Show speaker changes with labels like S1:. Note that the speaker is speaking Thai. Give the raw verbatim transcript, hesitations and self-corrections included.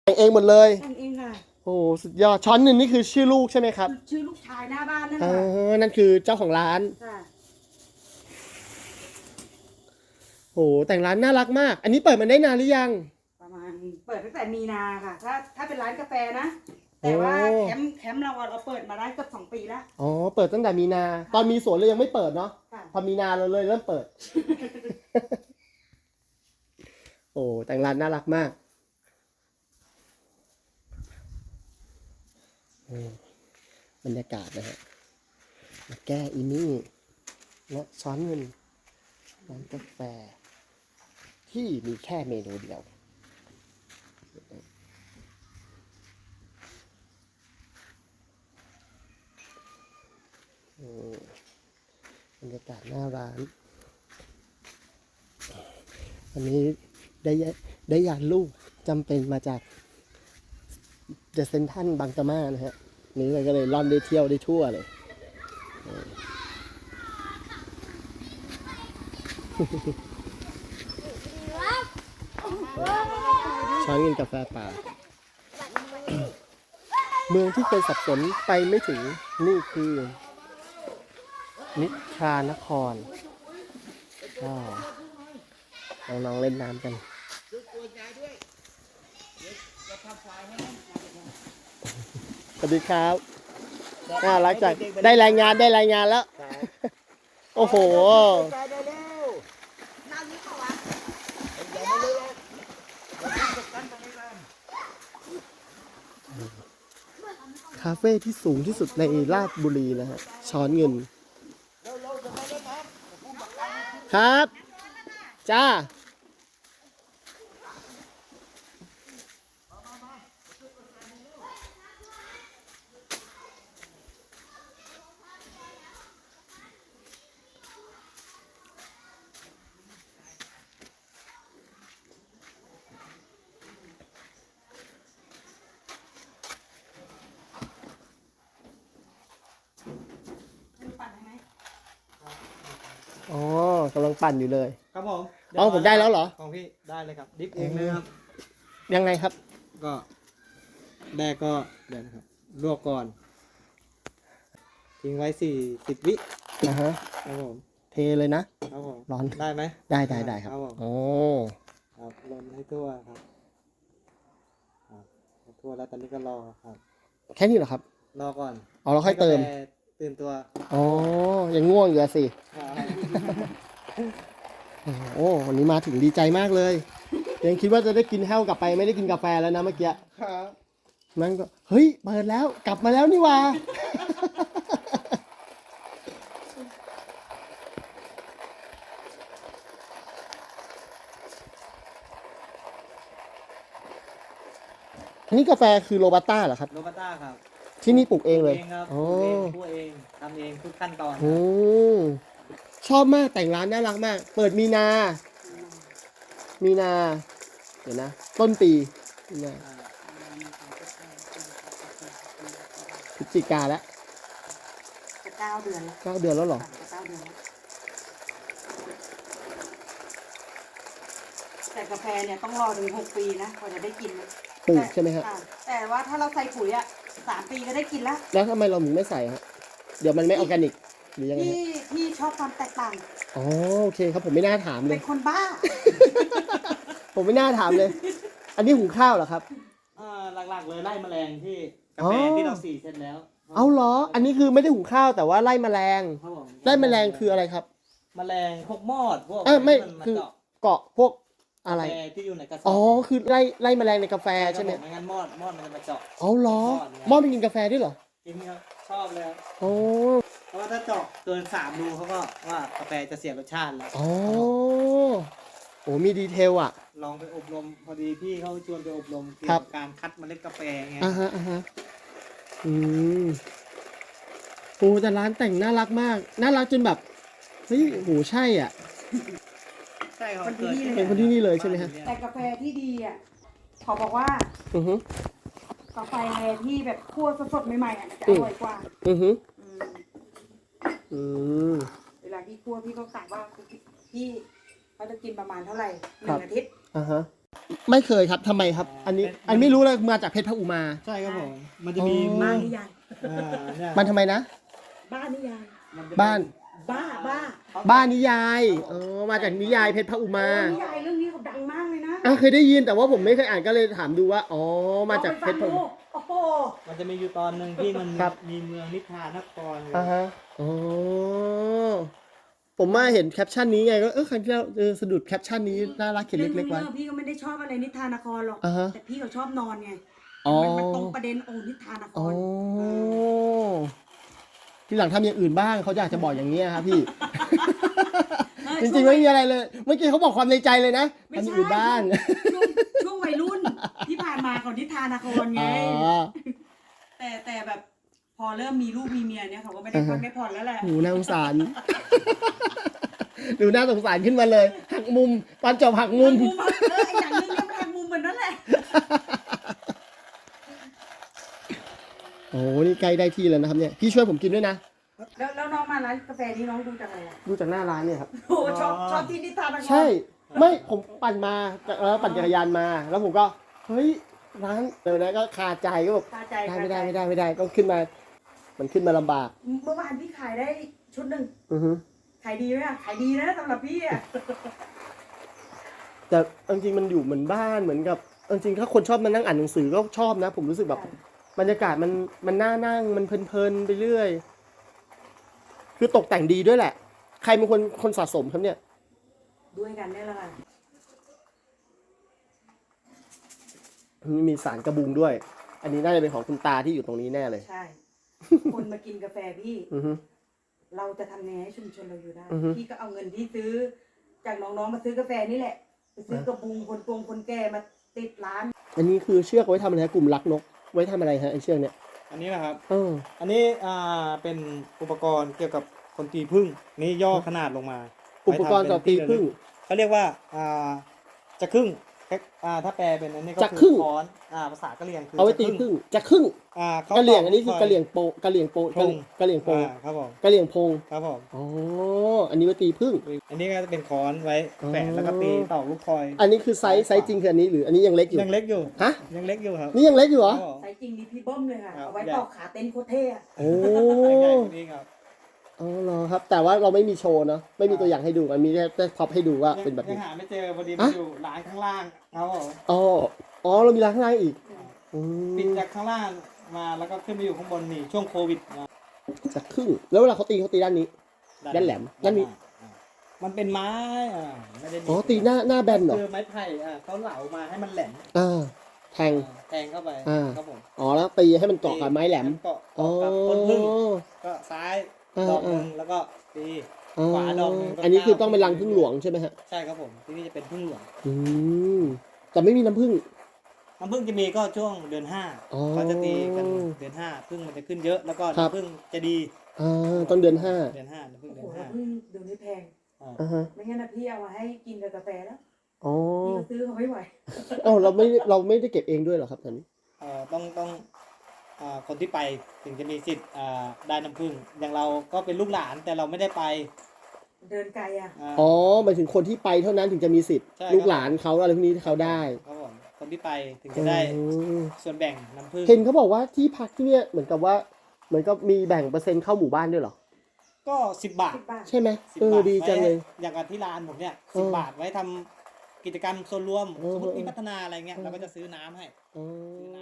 S1: แต่งเองหมดเลย
S2: แต่งเองค่ะ
S1: โอ้สุดยอดช้อนหนึ่งนี่คือชื่อลูกใช่ไหมครับ
S2: ชื่อลูกชายหน้าบ้านนั่นแห
S1: เอ
S2: ละ
S1: อนั่นคือเจ้าของร้าน
S2: ค่ะ
S1: โอ้แต่งร้านน่ารักมากอันนี้เปิดมาได้นานหรือยัง
S2: ประมาณเปิดตั้งแต่มีนาค่ะถ้าถ้าเป็นร้านกาแฟนะแต่ว่าแคมป์แคมป์เราเราเปิดมาได้เกือบสองปีแล้ว
S1: อ๋อเปิดตั้งแต่มีนาตอนมีสวนเลยยังไม่เปิดเนาะพอมีนาเราเลยเริ่มเปิด โอ้แต่งร้านน่ารักมากบรรยากาศนะฮะมาแก้อีนี่และช้อนเงินร้านกาแฟที่มีแค่เมนูเดียวบรรยากาศหน้าร้านอันนี้ได้ได้ยานลูกจำเป็นมาจากเดอะเซนทรัลบางกะมานะฮะนี่เลยก็เลยล่อนได้เที่ยวได้ทั่วเลยช้อนกินกาแฟป่าเมืองที่เคยสับสนไปไม่ถึงนี่คือนิทรานครก็น้องๆเล่นน้ำกันสวัสดีครับน่ารักจังได้รายงานได้รายงานแล้วโอ้โหคาเฟ่ที่สูงที่สุดในราชบุรีนะฮะช้อนเงินครับจ้าอ๋อกำลังปั่นอยู่เลย
S3: ครับผม
S1: อ๋อผมได้แล้วเหรอ
S3: ของพี่ได้เลยครับดิฟเองเลยครับ
S1: ยังไงครับ
S3: ก็แรกก็เดี๋ยวนะครับลวกก่อนทิ้งไว้สี่สิบวิ
S1: นะฮะ
S3: ครับผม
S1: เทเลยนะครับ
S3: ผม
S1: ร้อน
S3: ได้ไหม
S1: ได้ได้ได้ครับโอ้
S3: ครับลนให้ทั่วครับครับทั่วแล้วตอนนี้ก็รอครับ
S1: แค่นี้เหรอครับ
S3: รอก่อน
S1: อ๋อเราค่อยเติม
S3: ตื่นตัว
S1: อ๋อยังง่วงอยู่สิโอ้วันนี้มาถึงดีใจมากเลยยังคิดว่าจะได้กินแห้วกลับไปไม่ได้กินกาแฟแล้วนะเมื่อกี้
S3: ครับ
S1: นั่นก็เฮ้ยเปิดแล้วกลับมาแล้วนี่ว่าอันนี้กาแฟคือโรบัสต้าเหรอครับ
S3: โรบัสต้าครับ
S1: ที่นี่ปลูกเองเลย
S3: โอ้เองคั่วเองทำเองทุกขั้นตอน
S1: โอ้ชอบมากแต่งร้านน่ารักมากเปิดมีนามีนาเดี๋ยวนะต้นปีมีนาพฤศจิกาแล้ว
S2: จะเก้าเดือนแล้ว
S1: เก้าเดือนแล้วเหรอ
S2: จะเก้าเดือนแล้วแต่กาแฟเนี่ยต้องรอถึงหกปีนะกว่าจะได้กิน
S1: ปลูกใช่ไหมครับ
S2: แต่ว่าถ้าเราใส่ปุ๋ยอ่ะสามปีก็ได้กินแล้ว
S1: แล้วทำไมเราถึงไม่ใส่ฮะเดี๋ยวมันไม่ออร์แกนิกหรือยังไง
S2: ที่ที่ชอบความแตกต่าง
S1: อ๋อโอเคครับผมไม่น่าถามเลย
S2: เป็นคนบ้า
S1: ผมไม่น่าถามเลยอันนี้หุงข้าวเหรอครับ
S3: อ่าหลักๆเลยไล่แมลงที่กาแฟที่เราสีเสร็จแล้ว
S1: เอาเหรออันนี้คือไม่ได้หุงข้าวแต่ว่าไล่แมลงไล่แมลงคืออะไรครับ
S3: แมลงพวกมอดพวก
S1: เออไม่คือเกาะพวกอะไร
S3: ที่อยู่ในกระสอบ
S1: อ๋อคือไล่ไล่แมลงในกาแฟใช่ไหม
S3: ไม่งั้นมอดมอดมันจะมาเจาะ
S1: เอาเหรอมอดมันกินกาแฟด้วยเหรอ
S3: กินครับชอบเลย
S1: โอ้
S3: เพราะว่าถ้าเจาะเกินสามรูเขาก็ว่ากาแฟจะเสียรสชาติแล้ว
S1: อ๋อโอ้มีดีเทลอ่ะ
S3: ลองไปอบรมพอดีพี่เขาชวนไปอบรมเกี่ยวกับการคัดเมล็ดกาแฟไง
S1: อ่าฮะอ่าฮะอืมโอ้แต่ร้านแต่งน่ารักมากน่ารักจนแบบเฮ้ยโหใช่อ่ะ
S3: ใช่ครับ
S1: เป็นคนที่นี่เลยใช่ไหมฮะ
S2: แต่กาแฟที่ดีอ่ะเขาบอกว่า
S1: อือฮึ
S2: กาแฟที่แบบคั่วสดๆใหม่ๆอ่ะจะอร่อยกว่า
S1: อือฮึอืม
S2: เวลาพี่คั่วพี่ก็กะว่าพี่เขาจะกินประมาณเท่าไหร่หนึ่งอาทิตย์
S1: อ่าฮะไม่เคยครับทำไมครับ อันนี้ อันไม่รู้เลยมาจากเพชรพระอุมา
S3: ใช่ครับผมมันจะมี
S1: อ๋อ
S2: บ้าน
S3: เมือง
S2: นิยาย
S3: อ่าเนี่ย
S1: มันทำไมนะ
S2: บ้านนิยาย
S3: มันจะ
S1: บ้าน
S2: บ้าบ้า
S1: บ้านนิยายอ๋อมาจากนิยายเพชรพระอุมา
S2: โอ้นิยายเรื่องนี้เขาดังมากเลยนะ
S1: อ่ะเคยได้ยินแต่ว่าผมไม่เคยอ่านก็เลยถามดูว่า อ๋อ มาจากเพชรพระอุมา
S2: โอ้โห
S3: มันจะมีอยู่ตอนหนึ่งที่มัน
S1: ครับ
S3: มีเมืองนิทานนครเลย
S1: อ่าฮะอ๋อผมมาเห็นแคปชั่นนี้ไงก็เออครั้งที่แล้วเออสะดุดแคปชั่นนี้น่ารักเขียนเล็กๆไว้
S2: รื่องพี่ก็ไม่ได้ชอบอะไรนิทานนครหรอก
S1: อ่าฮะ
S2: แต่พี่เขาชอบนอนไง
S1: อ๋อ
S2: มันมันตรงประเด็นโอ้นิทานนค
S1: อ๋อ
S2: ร
S1: ทีหลังทำอย่างอื่นบ้างเขาอยากจะบอกอย่างนี้ยครับพี่
S2: เออ
S1: จริงๆไม่มีอะไรเลย เมื่อกี้เขาบอกความในใจเลยนะ
S2: ไม่
S1: ทำอ
S2: ใช่
S1: ย่างอื่นบ้าง
S2: ช่วงช่วงวัยรุ่นที่ผ่านมาของนิทานนครไง
S1: อ๋อ
S2: แต่แต่แบบพอเริ่มมีลูกมีเมียเนี่ยเขาก็ไม่ได้พักได้ผ่อนแล้วแหละ
S1: หูน่าสงสาร ดูน่าสงสารขึ้นมาเลย หักมุมตอนจบหักมุม
S2: มุมเออไอ้อย่างนึงเนี่ยมันหักมุมเหมือนนั่นแหละ
S1: โอ้โหนี่ใกล้ได้ที่แล้วนะครับเนี่ย พี่ช่วยผมกินด้วยนะ
S2: แล้วแล้วน้องมาร้านกาแฟนี้น้องดูจากอะไรอ่ะ
S1: ดูจากหน้าร้านเนี่ยครับ
S2: โอ้ชอบชอบที่นิทานนคร
S1: ใช่ ไม่ผมปั่นมาแล้วปั่นจักรยานมา แล้วผมก็ เฮ้ย ร้านเดี๋ยวนะก็คาใจก็แบบ
S2: คาใจ
S1: ได้
S2: คา
S1: ไม่
S2: ใจ
S1: ได้ไม่ได้ไม่ได้ต้องขึ้นมา มันขึ้นมาลำบาก
S2: เมื่อวานพี่ขายได้ชุดหนึ่ง
S1: อือฮึ
S2: ขายดีไหมอะขายดีนะสำหรับพี่อ่ะ
S1: แต่เอาจริงๆมันอยู่เหมือนบ้านเหมือนกับเอาจริงๆถ้าคนชอบมานั่งอ่านหนังสือก็ชอบนะ ผมรู้สึกแบบบรรยากาศมันมันน่านั่งมันเพลินๆไปเรื่อย คือตกแต่งดีด้วยแหละ ใครเป็นคนคนสะสมครับเนี่ย
S2: ด้วยกันได้และค่ะ
S1: มีสารกระบุงด้วย อันนี้น่าจะเป็นของคุณตาที่อยู่ตรงนี้แน่เลย
S2: ใช่ คนมากินกาแฟพี่
S1: อือฮึ
S2: เราจะทำยังไงให้ชุมชนเราอยู่ได้
S1: อือฮึ
S2: พี่ก็เอาเงินที่ซื้อ จากน้องๆมาซื้อกาแฟนี่แหละ ไปซื้อกระบุงคนตรงคนแก่มาติดร้าน
S1: อันนี้คือเชือกไว้ทำอะไรฮะกลุ่มรักนก ไว้ทำอะไรฮะไอเชือกเนี่ย
S3: อันนี้นะครับ
S1: เออ
S3: อันนี้อ่าเป็นอุปกรณ์เกี่ยวกับคนตีพึ่งนี่ย่อขนาดลงมา
S1: อุปกรณ์ต่อตีพึ่ง
S3: เขาเรียกว่าอ่าจะครึ่งอ่าถ้าแปลเป็นอันนี้ก็
S1: จะครึ่ง
S3: ค้อนอ่าภาษากะเหรี่ยงคือ
S1: เอาไว้ตี
S3: จะค
S1: พึ่
S3: รึ่
S1: ง จะครึ่ง
S3: อ่าเขา
S1: กะเหลี่ยงอันนี้
S3: ต
S1: คือกะเหลี่ยงโปกะเหลี่ยงโป
S3: พง
S1: กะเหลี่ยงโป
S3: อ่าครับผม
S1: กะเหลี่ยงพง
S3: ครับผม
S1: อ๋อ อันนี้ไว้ตีพึ่ง
S3: อันนี้ก็จะเป็นค้อนไว้
S1: อ๋อ
S3: แปะแล้วก็ตีต่อลูกคอย
S1: อันนี้คือไซส์ไซส์จริงคืออันนี้หรืออันนี้ยังเล็กอยู่
S3: ยังเล็กอยู่
S1: ฮะ
S3: ยังเล็กอยู่ครับ
S1: นี่ยังเล็กอยู่เหรอ
S3: ครับผม
S2: ใส่จริงนี่พี่เบิ้มเลยค่ะ
S3: ครับ
S2: เอาไว้ตอกขาเต็นท์โคตรเท่อะ
S1: โอ้
S3: ใหญ่กว่านี้ครับ
S1: อ๋อเหรอครับ แต่ว่าเราไม่มีโชว์เนาะ ไม่มีตัวอย่างให้ดู มันมีแค่แค่พ็อปให้ดูว่าเป็นแบบ
S3: ยัง
S1: นี้
S3: หาไม่เจอพอดี
S1: ฮะ
S3: มันอยู่ร้านข้างล่างครับผม
S1: อ๋อ อ๋อ เรามีร้านข้างล่างอีกอืม
S3: ปิดจากข้างล่างมาแล้วก็ขึ้นไปอยู่ข้างบนนี่ช่วงโควิดมา
S1: จะครึ่ง แล้วเวลาเขาตีเขาตีด้านนี้ ด้านแหลมด้านนี้
S3: อ่ามันเป็นไม้อ่าไม่ได้มี
S1: อ๋อ ตีหน้าหน้าแบนเหรอ
S3: คือไม้ไผ่อ่าเขาเหลามาให้มันแหลม
S1: อ่า แทง
S3: แทงเข้าไป
S1: อ่า
S3: ครับผม
S1: อ๋อ แล้วตีให้มันเกาะกับไม้แหลม
S3: เกาะ
S1: อ๋อ
S3: เกาะกับต้นพึ่งก็ซ้าย
S1: อ่า
S3: ดอกหนึ่งแล้วก็ตี
S1: อ๋อ
S3: ขวาดอกหนึ่งก็
S1: อันนี้คือต้องเป็น
S3: เก้า
S1: รังพึ่งหลวงใช่ไหมฮะ
S3: ใช่ครับผมที่นี่จะเป็นพึ่งหลวง
S1: อืม แต่ไม่มีน้ำผึ้ง
S3: น้ำพึ่งจะมีก็ช่วงเดือนห้า
S1: อ๋อ
S3: เขาจะตีกันเดือนห้าพึ่งมันจะขึ้นเยอะแล้วก็
S1: ครับ
S3: น้ำพึ่งจะดี
S1: อ่าต้นเดือนห้า
S3: เดือนห้าน้ำพึ่ง
S2: โอ้
S3: เดื
S2: โห
S3: อนห้า
S2: เพิ่งเดี๋ยวนี้แพง
S3: อ่า
S1: อ่าฮะ
S2: ไม่งั้นนะพี่เอามาให้กินกับกาแฟแล้ว
S1: อ๋อ
S2: พี่ก็ซื้อเขาไม่ไหว
S1: เอ้าเราไม่เราไม่ได้เก็บเองด้วยเหรอครับตอนนี้
S3: เอ่อต้องต้องอ่าคนที่ไปถึงจะมีสิทธิ์อ่าได้น้ำพึ่งอย่างเราก็เป็นลูกหลานแต่เราไม่ได้ไป
S2: เดินไกลอ่ะ
S3: า
S1: อ๋อหมายถึงคนที่ไปเท่านั้นถึงจะมีสิทธิ์
S3: ใช่
S1: ลูกหลานเขาอะไรพวกนี้ที่เขาได้
S3: ครับผมคนที่ไปถึงจะได้
S1: อืม
S3: ส่วนแบ่งน้ำพึ่ง
S1: เห็นเขาบอกว่าที่พักที่เนี่ยเหมือนกับว่า เหมือนกับมีแบ่งเปอร์เซ็นต์เข้าหมู่บ้านด้วยเหรอ
S3: ก็สิบบาท
S2: สิบบาท
S1: ใช่ไหม
S3: สิบ
S1: เออบ
S3: าท
S1: ดีจังเลย
S3: ไว้อย่างกับที่ร้านผมเนี่ย
S1: เออ
S3: สิบบาทไว้ทำกิจกรรมส่วนรวม
S1: เออ
S3: สมมติ
S1: เออ
S3: มีพัฒนาอะไรเงี้ย
S1: เออ
S3: เราก็จะซื้อน้ำให้
S1: อ๋อ
S3: ซื้อน้